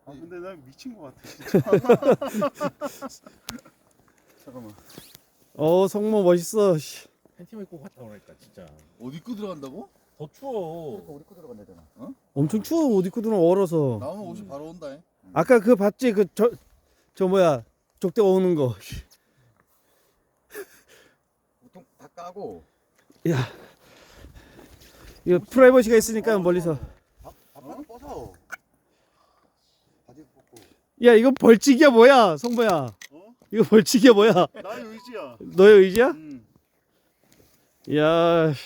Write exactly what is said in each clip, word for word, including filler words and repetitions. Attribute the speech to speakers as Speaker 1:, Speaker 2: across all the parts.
Speaker 1: 아 근데 나 미친 것 같아 진짜. 잠깐만.
Speaker 2: 어 성모 멋있어. 씨.
Speaker 3: 팬티만 입고 갔다 오니까 진짜
Speaker 4: 옷 입고 들어간다고?
Speaker 3: 더 추워.
Speaker 1: 우리 거 들어간다잖아.
Speaker 2: 엄청 추워. 옷 입고 들어오면 얼어서.
Speaker 4: 나오면 옷이 바로 온다. 잉.
Speaker 2: 아까 그 봤지? 그 저 저 뭐야 족대 오는 거.
Speaker 4: 보통 다 까고.
Speaker 2: 야 이거 프라이버시가 있으니까 멀리서.
Speaker 4: 밥만 벗어. 바지 벗고.
Speaker 2: 야 이거 벌칙이야 뭐야 성모야.
Speaker 1: 어?
Speaker 2: 이거 벌칙이야 뭐야.
Speaker 1: 나의 의지야.
Speaker 2: 너의 의지야?
Speaker 1: 음.
Speaker 2: 야.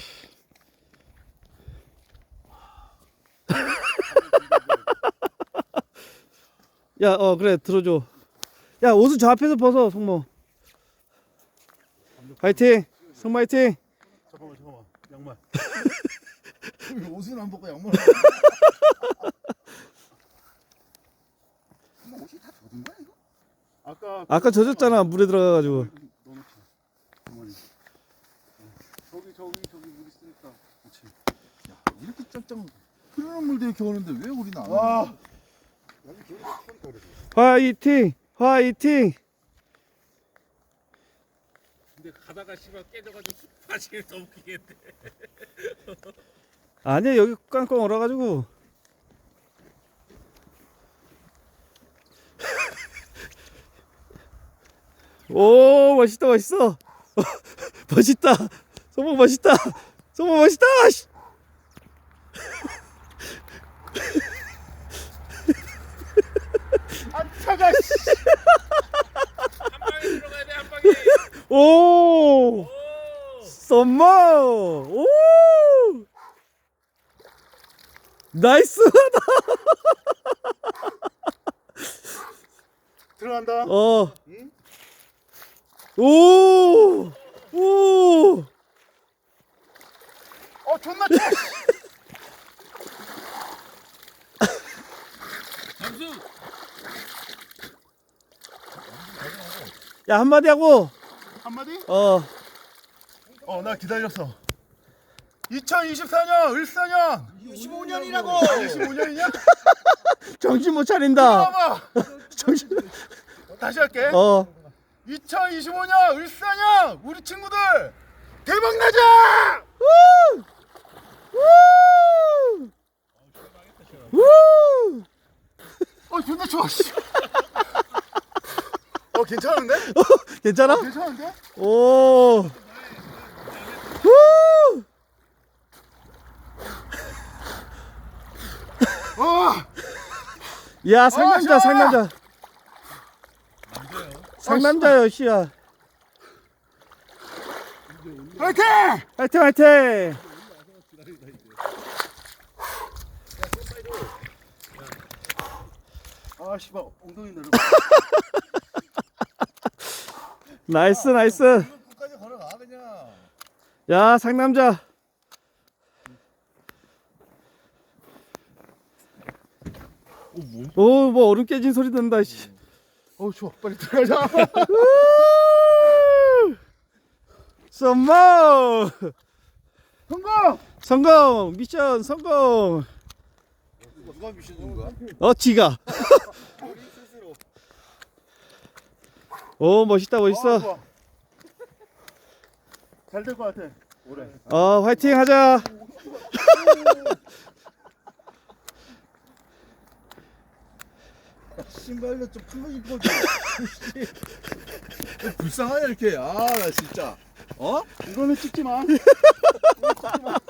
Speaker 2: 야, 어 그래 들어줘. 야 옷을 저 앞에서 벗어 성모. 화이팅, 성모 화이팅.
Speaker 1: 잠깐만 잠깐만. 양말.
Speaker 4: 옷은 안 벗고 양말. 뭐 옷이 다 젖은 거야 이거?
Speaker 1: 아까
Speaker 2: 아까 젖었잖아 물에 들어가가지고.
Speaker 1: 넣어놓자. 가만히. 저기 저기 저기 물 있으니까. 그렇지.
Speaker 4: 야 이렇게 짱짱 흐르는 물도 이렇게 오는데 왜 우리는 안
Speaker 1: 와.
Speaker 4: 와?
Speaker 1: 여기 저기 추우니까 그래.
Speaker 2: 화이팅, 화이팅.
Speaker 3: 근데 가다가 씨발 깨져가지고 바지를 더 웃기겠대.
Speaker 2: 아니야 여기 꽝꽝 얼어가지고. 오 멋있다 멋있어. 멋있다. 성모 멋있다. 성모 멋있다. 씨.
Speaker 1: 안 차가. 씨.
Speaker 3: 한 방에 들어가야 돼 한 방에.
Speaker 2: 오.
Speaker 3: 오.
Speaker 2: 썸머. 오. 나이스.
Speaker 1: 들어간다.
Speaker 2: 어.
Speaker 1: 응?
Speaker 2: 오. 오.
Speaker 1: 어 존나 차.
Speaker 3: 잠수.
Speaker 2: 야 한마디 하고.
Speaker 1: 한마디?
Speaker 2: 어.
Speaker 1: 어 나 기다렸어. 이천이십사 년 을사년.
Speaker 4: 이십오 년이라고.
Speaker 1: 이십오 년이냐?
Speaker 2: 정신 못 차린다.
Speaker 1: 봐봐.
Speaker 2: 정신.
Speaker 1: 다시 할게.
Speaker 2: 어.
Speaker 1: 이천이십오 년 을사년 우리 친구들 대박 나자.
Speaker 2: 우! 우! 우!
Speaker 1: 어 존나 좋아. 씨. 어 괜찮은데?
Speaker 2: 괜찮아?
Speaker 1: 괜찮은데?
Speaker 2: 오. 우!
Speaker 1: 어.
Speaker 2: 야 상남자
Speaker 1: 시원하다.
Speaker 2: 상남자. 상남자요 씨야.
Speaker 1: 화이팅!
Speaker 2: 화이팅 화이팅.
Speaker 1: 아 씨발 엉덩이 내려.
Speaker 2: 나이스 나이스.
Speaker 4: 끝까지 걸어가 그냥.
Speaker 2: 야 상남자. 오 뭐 얼음 깨진 소리 난다 씨.
Speaker 1: 어 좋아 빨리 들어가자.
Speaker 2: 썸머
Speaker 1: 성공!
Speaker 2: 성공 미션 성공.
Speaker 4: 누가 미션 준 거야?
Speaker 2: 어 지가. 오 멋있다 멋있어.
Speaker 1: 잘 될 것 같아. 오래.
Speaker 2: 어 화이팅 하자.
Speaker 4: 신발도 좀 큰 거 입어줘. 불쌍하냐 이렇게. 아 나 진짜. 어?
Speaker 1: 이거는 찍지 마. 이거 찍지 마.